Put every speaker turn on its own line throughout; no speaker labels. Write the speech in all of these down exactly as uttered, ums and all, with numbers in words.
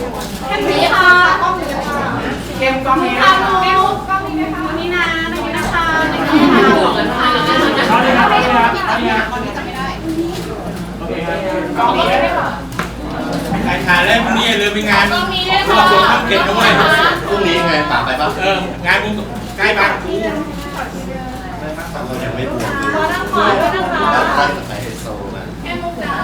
แค่นี้ค่ะกล้องนี้ค่ะเกมกล้องนี้ค่ะเกมกล้องนี้นะคะนี่นะนี่นะคะนี่นะคะกล้องนี้ค่ะกล้องนี้ค่ะกล้องนี้ค่ะกล้องนี้จะไม่ได้โอเคครับกล้องนี้ค่ะ
ใครถ่ายได้พรุ่งนี้อย่าลืมมีงาน
กล้องนี้ด้วย
รว
ค่ะ
บรวมข้าวเก็บด้วย
พรุ่งนี้ไงป่าไปปะ
เอองานบุญใกล้บ้านกู
เรายังไม่บวช
ขอนั่งขอด้วยนะคะ
เราใกล้กับไฮโซนะ
แค่มุกดา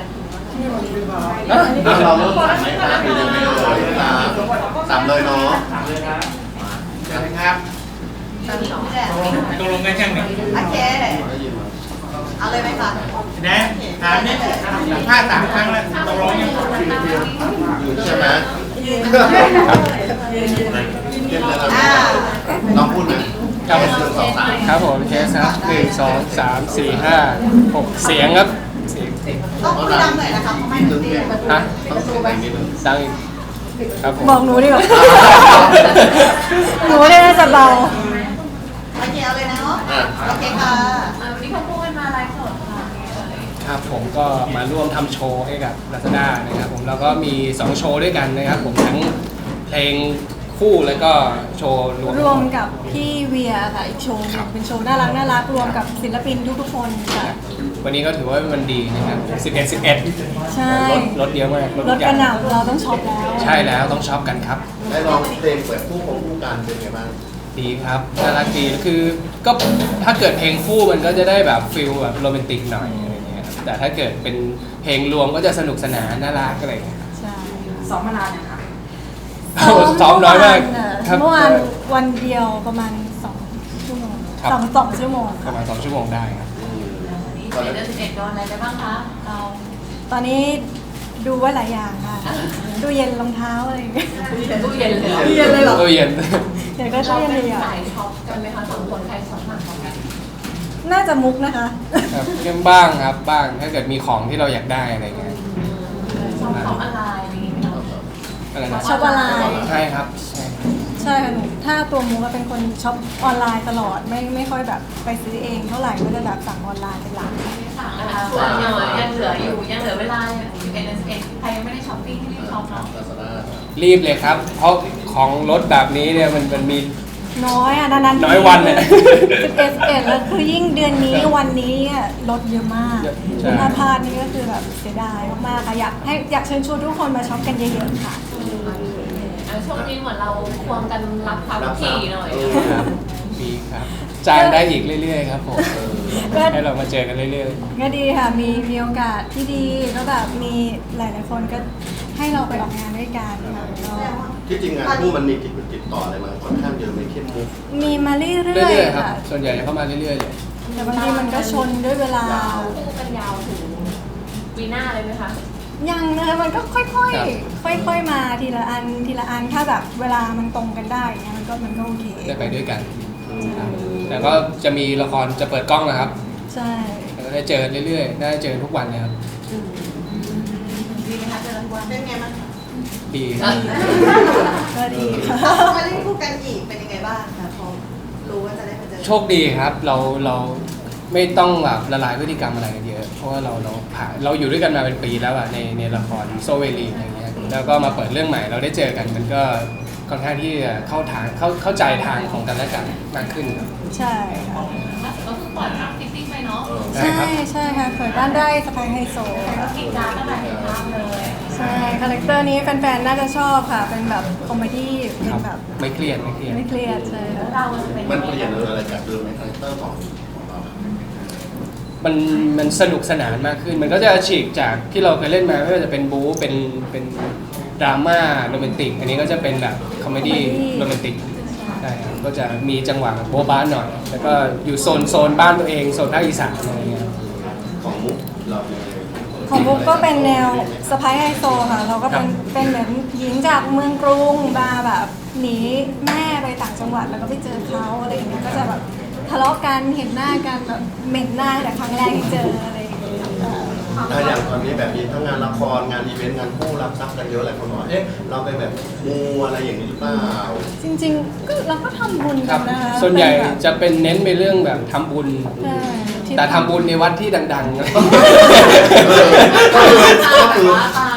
เราเริ่มสามไหมครับหรือยังไม่เลยนะสามเลยเนาะ
เชิญครับตกลงกันยังเนี่ย
โอเค
ได้ยินไหม
เอาเลยไหมคะ
นะถามนี่สัมภาษณ์สามครั้งแล้วตกลงยัง
อยู่ใช่ไหมเก็บเลยครับน้องพูดไหมครับหนึ่งสองสาม
ครับผมเคสครับหนึ่งสองสามสี่ห้าหกเสียงครับเสียง
ต้องพูดดังหน่อยนะคะเพราะไม่
ตึ้งเนี่ย
ฮะ
ต้องเสียงดังนิดนึง
ดังอีกครับผม
บอกหนูดีกว่า หนูเนี่ยน่าจะเบา
โอเคเอาเลยนะเนาะโอเคค่ะ
วันนี้เขาพูดกันมาไลฟ์สดค่ะ
ครับผมก็มาร่วมทำโชว์ให้กับ Lazada นะครับผมแล้วก็มีสองโชว์ด้วยกันนะครับผมทั้งเพลงคู่แล้วก็โชว์รวม
รวมกับพี่เวียค่ะอีกโชว์หนึ่งเป็นโชว์น่ารักน่ารักรวมกับศิลปินทุกๆคนค่ะ
วันนี้ก็ถือว่ามันดีนะครับสิบเอ็ด สิบเอ็ด
ใช่
รถรถเยอะมาก
ร
ทุ
ถ
กอก ย่า
ระ
ง
หน่ำเราต้องช็อปแล้ว
ใช่แล้วต้องช็อปกันครับ
ได้ลองเพลงเปิดคู่ของคู่การเป็นไงบ้าง
ดีครับน่ารักดีคือก็ถ้าเกิดเพลงคู่มันก็จะได้แบบฟิลแบบโรแมนติกหน่อยอะไรเงี้ยครับแต่ถ้าเกิดเป็นเพลงรวมก็จะสนุกสนานน่ารักอะไรเงี้ย
ใช่
ซ้อมมานานยังคะ
ซ้อมน้อยมากครับ
เมื่อวานวันเดียวประมาณสองชั่วโมง
ครับ
สองสองชั่วโมง
ประมาณสองชั่วโมงได้ครับ
นี่เดือนสิบเอ็ดโดนอะไรได้บ้างคะเรา
ตอนนี้ดูไว่าหลายอย่างค่ะดูเย็นรองเท้าอะไรอย่างเงี้ย
ตู้เย็นเลย
ตู้เย็นเลยเหรอ
ตู้เย็น
เดี๋ยวก็
เรา
ตู้เย็น
เป็น
เลยอ่ะ
สายช็อปกันไหมคะสองคนใครช็อปมากกว่ากัน
น่าจะมุกนะคะ
ครับเรื่องบ้างครับบ้างถ้าเกิดมีของที่เราอยากได้อะไรเงี้ย
ช็อปของออนไลน์อะไรอย่างเงี้ย
อะไรนะ
ช็อปออนไลน์
ใช่ครับใช่
ใช่ค่ะหนูถ้าตัวมุกก็เป็นคนช็อปออนไลน์ตลอดไม่ไม่ค่อยแบบไปซื้อเองเท่าไหร่ก็จะแบบสั่งออนไลน์เป็นหลัก
สั่งนะคะส่วนยังเหลือยังเหลืออยู่ยังเหลือเวลาสิบเอ็ดเดือนสิบเอ็ดใครยังไม่ได้ช้อปปิ้งที่รีบช็อปเนาะ
ลาซาด้า
รีบเลยครับ เพราะของรถแบบนี้เนี่ยมันมันมี
น้อยอ่ะนานๆ
น้อยวันเนี่ย
สิบเอ็ดสิบเอ็ดแล้วคือยิ่งเดือนนี้วันนี้อ่ะลดเยอะมาก
เยอะใช่
ถ้าพลาดนี่ก็คือแบบเสียดายมากๆค่ะอยากให้อยากเชิญชวนทุกคนมาช็อปกันเยอะๆค่ะ
ช่วงนี้เหมือนเราควงกันรับความถี่หน่อย
ครับดีครับจ้างได้อีกเรื่อยๆครับผม
ก็
ให้เรามาเจอกันเรื่อย
ก็ดีค่ะมีมีโอกาสที่ดีก็แบบมีหลายๆคนก็ให้เราไปออกงานด้วยกันค่ะก็
ที่จริงงานคู่มันมีติดติดต่ออะไรมาค่อนข้างเยอะไม่เข้มมุก
มีมาเรื่
ๆ
อย
เรื่อย
ๆ
ๆครับ
ค่ะ
ส่วนใหญ่จะเข้ามาเรื่อยๆเลย
แต่บางทีมันก็ชนด้วยเวลา
คู่กันยาวถึงปีหน้าเลยไหมคะ
ยังนะคะมันก็ค่อย
ครับ
ๆ ค่อยๆ มาทีละอันทีละอันถ้าแบบเวลามันตรงกันได้เงี้ยมันก็มันก็โอเค
ได้ไปด้วยกันครับแต่ก็จะมีละครจะเปิดกล้องนะครับ
ใช่
แล้วก็ได้เจอกันเรื่อยๆ ได้เจอกันทุกวันเลยครับ
ดีไหมคะเจอทุกวัน
เป็นไงบ้างคะ
ดีครับ
ก็ดีค่ะ
พอมาเล่นคู่กันอีกเป็นยังไงบ้างคะพอรู้ว่าจะได้มาเจอ
โชคดีครับเราเราไม่ต้องแบบละลายพฤติกรรมอะไรกันเยอะ เพราะว่าเราเราผ่านเราอยู่ด้วยกันมาเป็นปีแล้วอะในในละครโซเวลีอะไรเงี้ยแล้วก็มาเปิดเรื่องใหม่เราได้เจอกันมันก็ค่อนข้างที่จะเข้าทางเข้าเข้าใจทางของกันและกันมากขึ้นครับ
ใช่ค่ะ
ก็คือปล่อยภาพฟิตติ้งไปเนาะ
ใช่
ใช่
ครับ
ใช่ค่ะเปิดบ้านได้สไปไฮโซ
ก็กินจานตั้งแต่เห็นภาพเลย
ใช่คาแรคเตอร์นี้แฟนๆ น่าจะชอบค่ะ เป็นแบบคอมเมดี้เป็
ครั
น
บ
แบบ
ไม่เครียดไม่เครียด
ไม่เครียดใช่ค่ะ
เราจะเป็น
มันเปลี่ยนอะไรจากเดิมในคาแรคเตอร์ของของเรา
มันมันสนุกสนานมากขึ้น มันก็จะฉีกจากที่เราเคยเล่นมาไม่ว่าจะเป็นบู๊เป็นเป็นดราม่าโรแมนติก อันนี้ก็จะเป็นแบบคอมเมดี้โรแมนติกใช่ครับก็จะมีจังหวะโบ๊ะบ้านหน่อย แล้วก็อยู่โซนโซนบ้านตัวเองโซนภาคอีสานอะไรเงี้ย
ของมุกเราเป็นยังไง
ของบุ๊กก็เป็นแนวสไปไฮโซค่ะ เราก็เป็นเป็นเหมือนหญิงจากเมืองกรุงมาแบบหนีแม่ไปต่างจังหวัดแล้วก็ไปเจอเขาอะไรอย่างเงี้ยก็จะแบบทะเลาะกันเห็นหน้ากันแบบเหม็นหน้าแต่ครั้งแรกที่เจออะไรอย่างเงี้ย
ถ้าอย่างตอนนี้แบบนี้ทั้งงานละครงานอีเวนต์งานคู่รับทรัพย์กันเยอะหลายคนบอกว่าเอ๊ะเราไปแบบมูอะไรอย่างนี้หรือเปล่า
จริงๆก็เราก็ทำบุญ
ค
กั
รั
น
บ
นะคะ
ส่วนใหญ่
เป็แบบ
จะเป็นเน้นไปเรื่องแบบทำบุญ
ใช่ที่
แต่ทำบุญในวัดที่ดังๆ
ก็คือก็คือ
ตามที่เขา
เอ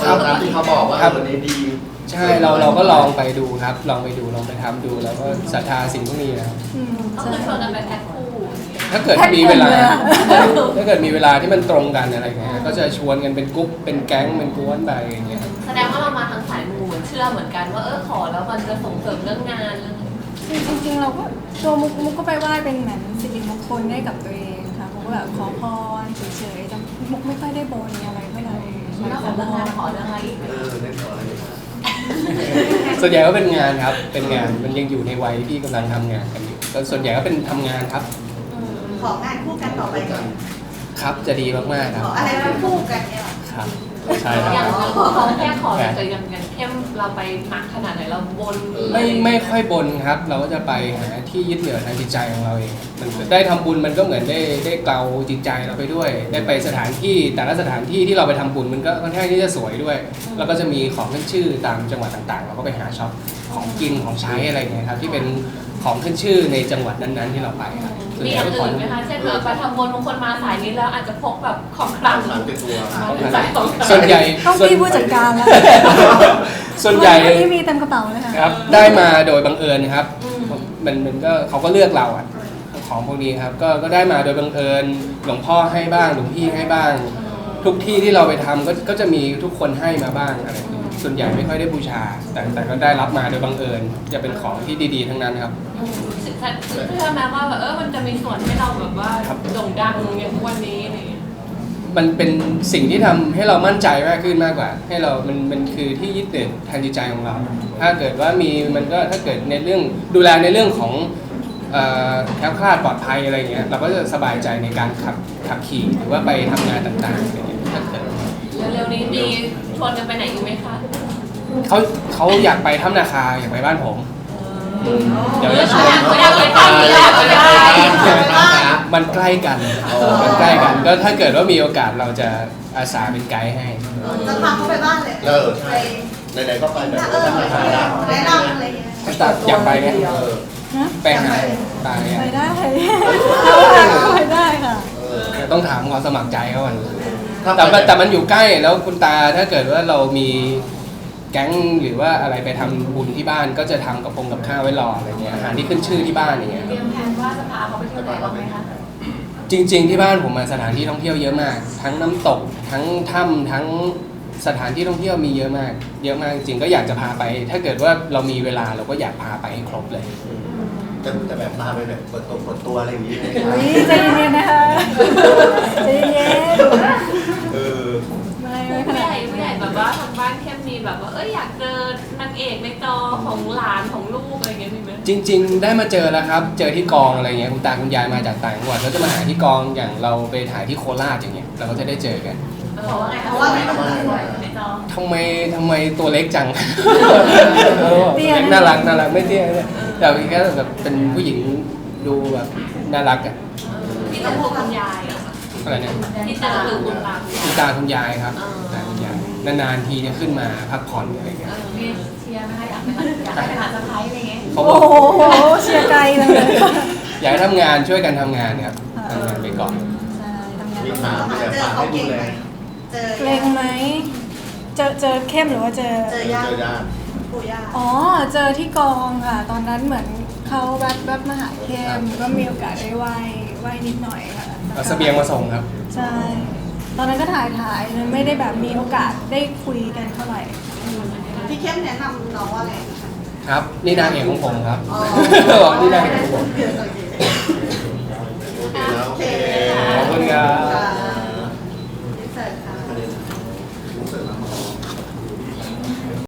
ตามตามที่เขาบอกว่า
ครับ
วันนี้ดี
ใช่เราเราก็ลองไปดูครับ ลองไปดูลองไปทำดูแล้วก็ศรัทธาสิ่งพวกนี้นะครับ
อืม
ก็
ใช่
คือชวนกันไปแพ็คคู่
ถ้าเกิดมีเวลา ถ้าเกิดมีเวลาที่มันตรงกันอะไรเงี้ยก็จะชวนกันเป็นกรุ๊ปเป็นแก๊งเป็นกวนไปอย่างเงี้ย
แสดงว่าเรามาทางสายมูเหมือนเชื่อเหมือนกันว่าเออขอแล้วมันจะส่งเสริมเรื่องงานเรื่อง
จริงๆเราก็ตัวมุกมุกก็ไปไหว้เป็นเหมือนสิริมงคลให้กับตัวเองค่ะมุกก็แบบขอพรเฉยๆแต่มุกไม่ค่อยได้บนอะไรเท่าไหร่
แล้วของเรื่องงานขอเรื่องอะไรอีก
เออได้ขออะไรดีครับ
ส่วนใหญ่ก็เป็นงานครับ เป็นงานมันยังอยู่ในวัยที่กำลังทำงานกันอยู่ก็ส่วนใหญ่ก็เป็นทำงานครับ
ของงานคู่กันต่อไปก่อน
ครับจะดีมากๆค
ข
รับ
ออะไรมาคู่กันเนี่ยหรอ
ครับใช่ค
อย่าง
รับ
เขาแค่ขอแต่อย่างอย่างเข้มเราไปหนักขนาดไหนเราบน
ไม่ไม่ค่อยบนครับ เราก็จะไปหาที่ยึดเหนี่ยวทางจิตใจของเราเองมันได้ทำบุญมันก็เหมือนได้ได้เกลาจิตใจเราไปด้วย ได้ไปสถานที่แต่ละสถานที่ที่เราไปทำบุญมันก็ค่อนข้างที่จะสวยด้วย แล้วก็จะมีของขึ้นชื่อตามจังหวัดต่างๆ เราก็ไปหาช็อปของกินของใช้อะไรอย่างเงี้ยครับที่เป็นของขึ้นชื่อในจังหวัดนั้นๆที่เราไปครับส่วน
มี
ให
อ
ญ่
ย่าง
ก็ขอ
อื่นไหมคะเช่นแบบไปทำบุญบางคนมาสายนี้แล้วอาจจะพกแบบของกลาง
หลังเป็นตัว
มาสายของกลาง
ส่วนใหญ่
ต้อง
ส่วน
พี่ผู้จัดการแล้ว
ส่วนใหญ่
วันนี้มีเต็มกระเป๋าเลยค่ะ
ครับได้มาโดยบังเอิญครับมันมันก็เขาก็เลือกเราอ่ะของพวกนี้ครับก็ก็ได้มาโดยบังเอิญหลวงพ่อให้บ้างหลวงพี่ให้บ้าง ทุกที่ที่เราไปทำก็ก็จะมีทุกคนให้มาบ้างอะไรอย่างเงี้ยส่วนใหญ่ไม่ค่อยได้บูชา แต่แต่ก็ได้รับมาโดยบังเอิญจะเป็นของที่ดีๆทั้งนั้นครับ
สึกเชื่อไหมว่าแบบเออมันจะมีส่วนให้เราแบบว่าโด่งดังอย่างทุกวันนี้อะไรอย่างเงี้ย
มันเป็นสิ่งที่ทำให้เรามั่นใจมากขึ้นมากกว่า ให้เรา มันมันคือที่ยึดติดทางจิตใจของเรา ถ้าเกิดว่ามีมันก็ถ้าเกิดในเรื่องดูแลในเรื่องของเอ่อแคล้วคลาดปลอดภัยอะไรเงี้ยเราก็จะสบายใจในการขับขับขี่หรือว่าไปทำงานต่างๆอะไรเงี้ยถ้าเกิด
เร็วๆนี้มีชวนกันไปไหนอีกไหมคะ
เขาเขาอยากไปถ้ำนาคาอยากไปบ้านผม เดี๋ยวจะชวน
ไม่ได้ไปทำนี่แหละไม่ได้
มันใกล้กันมันใกล้กันก็ถ้าเกิดว่ามีโอกาสเราจะอาสาเป็นไกด์ให้
จะพาเขาไปบ้านเลย
เออใช่ไหนๆก็ไปแบบ
เออ
ธรรมชาติ
แนะนำอะไรอย่างเงี้ย
ตัดอยากไปไหม
เออ
ฮะ
ไปหาตาย
ไป
อะ
ได้ไปได้ค่ะ
เออ
ต้องถามความสมัครใจเขาก่อน
ถ้า
แต่
ไป
มันแต่มันอยู่ใกล้แล้วคุณตาถ้าเกิดว่าเรามีแก๊งหรือว่าอะไรไปทำบุญที่บ้านก็จะทำกระพงกับข้าวไว้รออะไรเงี้ยอาหารที่ขึ้นชื่อที่บ้านอย่างเงี้ย
เตรียมแผนว่าจะพาเขาไปเที่ยวไหนบ้างไหมคะ
จริง ๆ ที่บ้านผมมาสถานที่ท่องเที่ยวเยอะมาก ทั้งน้ำตกทั้งถ้ำทั้งสถานที่ท่องเที่ยวมีเยอะมาก เยอะมากจริงๆก็อยากจะพาไป ถ้าเกิดว่าเรามีเวลาเราก็อยากพาไปให้ครบเลย
จะจะแบบพาไปแบบเปิดตัวเปิดตัวอะไรอย่างนี้เลย
อุ้ยใจเย็นๆนะคะใจเย็น
เออ
ๆไม่ไม่ข
ผู้
นา
ให
ด
ญ่ผู้ใหญ่แบบว่าทางบ้านเข้มมีแบบว่าเอ้ยอยากเจอนางเอกในจอของหลานของลูกอะไรเงี้ยมีไหม
จริง ๆ ได้มาเจอแล้วครับ เจอที่กองอะไรเงี้ยคุณตาคุณยายมาจากต่างจังหวัดแล้วจะมาหาที่กองอย่างเราไปถ่ายที่โคราชอย่างเงี้ยเราก็จะได้เจอกัน
เพราะว่าไงเพราะว่าไงในจอ
ทำไมทำไมตัวเล็กจัง เออตัวเล็กน่ารักน่ารักไม่เตี้ยเนี่ยแต่พี่แค่แบบเป็นผู้หญิงดูแบบน่ารักอะ
ที่ต้องพูดคุณยายอะค่ะ
อะไรเนี่ย
ที่เจอคือคุณตา
คุณตาคุณยายครับตาคุณยายนานๆทีจะขึ้นมาพักผ่อนอะไรเงี้ย
เออมีเชียร์ไหมคะอยากไปอยากไปหาสะพ้ายอะไรเงี้ย
เขาบ
โอ้
อก
โหเชียร์ไกลเลยค่ะ
อยากให้ทำงานช่วยกันทำงานครับทำงานไปก่อน
ใช่ทำงาน
มี
ไป
ถาม
เจ
แต่
อ
ฝาก
เขา
ให้ดู
เก่ง
แล
ไหมเจอ
เกรงไหมเจอเจอเข้มหรือว่าเจอ
เจอ
เจ
ญาติ
อญาติ
ปู่ย่า
อ๋อ เจอที่กองค่ะ ตอนนั้นเหมือนเขาแวบแวบมาหาเข้มก็มีโอกาสได้ไหว้ไหว้นิดหน่อยค่ะ
เอาเสบียงมาส่งครับ
ใช่ ตอนนั้นก็ถ่ายถ่ายๆไม่ได้แบบมีโอกาสได้คุยกันเท่าไหร่
พี่เข้มแนะนำน้องว่าอะไรคะ
ครับ นี่นางเอกของผมครับ
อ๋อ
บอกนี่นางเอกของผม
โอเค